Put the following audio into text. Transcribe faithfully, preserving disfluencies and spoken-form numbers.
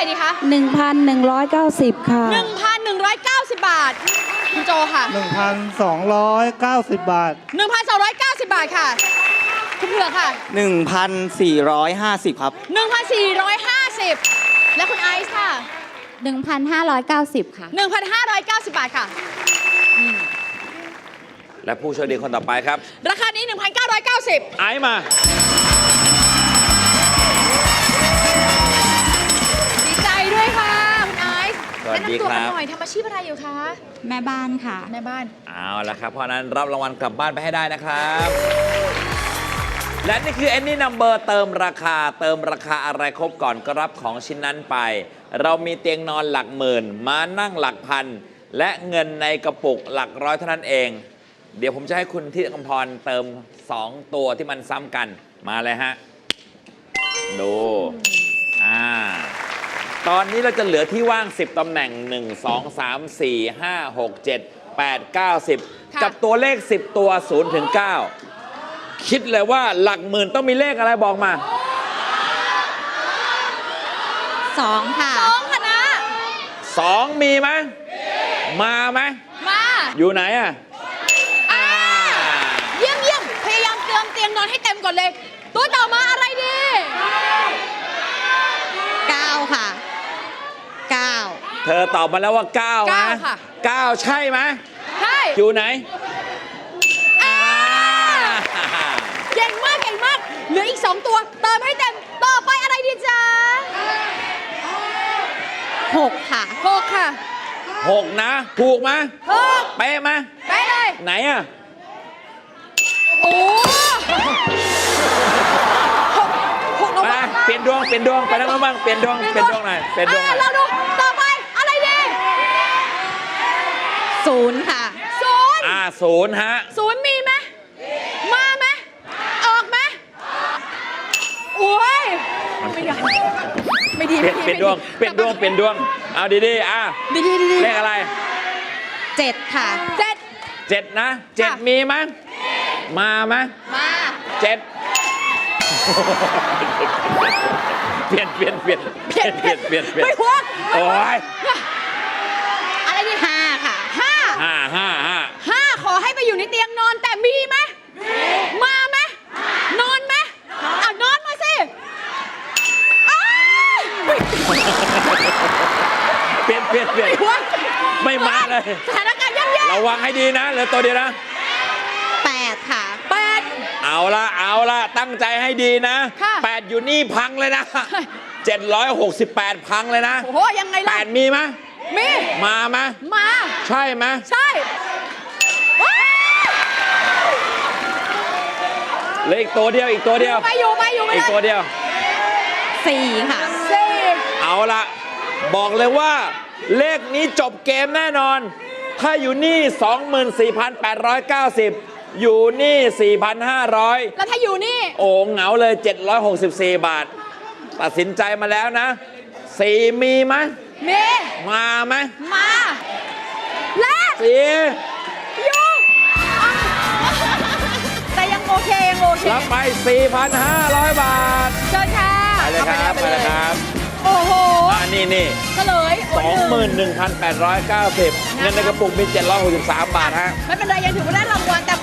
ดีคะหนึ่งพันหนึ่งร้อยเก้าสิบ ค่ะหนึ่งพันหนึ่งร้อยเก้าสิบ บาทคุณโจค่ะหนึ่งพันสองร้อยเก้าสิบ บาทหนึ่งพันสองร้อยเก้าสิบ บาทค่ะคุณเผือกค่ะหนึ่งพันสี่ร้อยห้าสิบ ครับหนึ่งพันสี่ร้อยห้าสิบ และคุณไอซ์ค่ะหนึ่งพันห้าร้อยเก้าสิบ ค่ะหนึ่งพันห้าร้อยเก้าสิบ บาทค่ะและผู้โชคดีคนต่อไปครับราคานี้ หนึ่งพันเก้าร้อยเก้าสิบไอซ์มาดีใจด้วยค่ะคุณไอซ์สวัสดีแนะนำตัวครักับ นหน่อยทำอาชีพอะไรอยู่คะแม่บ้านค่ะในบ้านเอาละครับ เพราะฉะนั้นรับรางวัลกลับบ้านไปให้ได้นะครับ และนี่คือ Any Number เติมราคาเติมราคาอะไรครบก่อนก็รับของชิ้นนั้นไป เรามีเตียงนอนหลักหมื่นมานั่งหลักพัน และเงินในกระปุกหลักร้อยเท่านั้นเอง เดี๋ยวผมจะให้คุณที่กำพรเติมสองตัวที่มันซ้ำกันมาเลยฮะ ดูอ่าตอนนี้เราจะเหลือที่ว่างสิบตำแหน่งหนึ่ง สอง สาม สี่ ห้า หก เจ็ด แปด เก้า สิบค่ะกับตัวเลขสิบตัวศูนย์ถึงเก้าคิดเลยว่าหลักหมื่นต้องมีเลขอะไรบอกมาสอง ค่ะสองคณะสองมีไหมมาไหมมาอยู่ไหนอ่ะอ่าเยี่ยมเยี่ยมพยายามเติมเตียงนอนให้เต็มก่อนเลย ตัวต่อมาอะไรดีเก้า ค่ะ เก้าเธอตอบมาแล้วว่าเก้าเก้านะค่ะเก้าใช่ไหมใช่อยู่ไหนอ่าเก่งมากเก่งมาก เหลืออีกสองตัว เติมให้เต็ม ต่อไปอะไรดีจ๊ะหก ค่ะหกค่ะหกนะ ถูกไหมหกเป๊ะไหมไปเลยไหนอ่ะโอ้หกหกเรามาบ้างเปลี่ยนดวงเปลี่ยนดวงไปนั่งบ้างเปลี่ยนดวงเปลี่ยนดวงหน่อยเปลี่ยนดวงหน่อยเราดู ต่อไปอะไรดีศูนย์ ค่ะศูนย์อ่าศูนย์ฮะศูนย์มีไหมมาไหมออกไหมโอ้ยไม่ดีไม่ดีเปลี่ยนเปลี่ยนดวงเปลี่ยนดวงเปลี่ยนดวงเอาดีๆอ่ะดีดีดีเลขอะไรเจ็ด ค่ะเจ็ดเจ็ดนะเจ็ดค่ะมีไหมมาไหมมาเจ็ดเปลี่ยนเปลี่ยนเปลี่ยนเปลี่ยนเปลี่ยนเปลี่ยนเปลี่ยนไม่หัวโอ้ยอะไรดีห้า ค่ะห้าห้าห้าห้าห้าขอให้ไปอยู่ในเตียงนอนแต่มีไหมมาไหมนอนไหมอ่ะนอนมาสิอ้ายเปลี่ยนเปลี่ยนเปลี่ยนไม่หัวไม่มาเลยสถานการณ์ย่ำแย่ระวังให้ดีนะเหลือตัวเดียวนะแปด ค่ะแปดเอาละเอาละตั้งใจให้ดีนะค่ะแปดอยู่นี่พังเลยนะเจ็ดร้อยหกสิบแปดพังเลยนะโอ้โหยังไงแปล่ะดมีไหมมีมาไหมมาใช่ไหมใช่ว้าวเหลืออีกตัวเดียวอีกตัวเดียวไปอยู่ไปอยู่ไปอีกเลตัวย เดียวสี่ ค่ะสี่เอาละบอกเลยว่า เลขนี้จบเกมแน่นอน ถ้าอยู่นี่ สองหมื่นสี่พันแปดร้อยเก้าสิบ อยู่นี่ สี่พันห้าร้อยแล้วถ้าอยู่นี่โอ้เหงาเลย เจ็ดร้อยหกสิบสี่ บาท ตัดสินใจมาแล้วนะสี่มีไหมมีมาไหมมาและสี่อยู่อ่ะแต่ยังโอเคยังโอเครับไป สี่พันห้าร้อย บาทเชิญค่ะไปเลยครับอาไปเลยครับโอ้โหอ่านี่นี่เฉลยสองหมื่นหนึ่งพันแปดร้อยเก้าสิบ เงินในกระปุกมี เจ็ดร้อยหกสิบสาม บาทฮะไม่เป็นไรยังถือว่าได้รางวัลแต่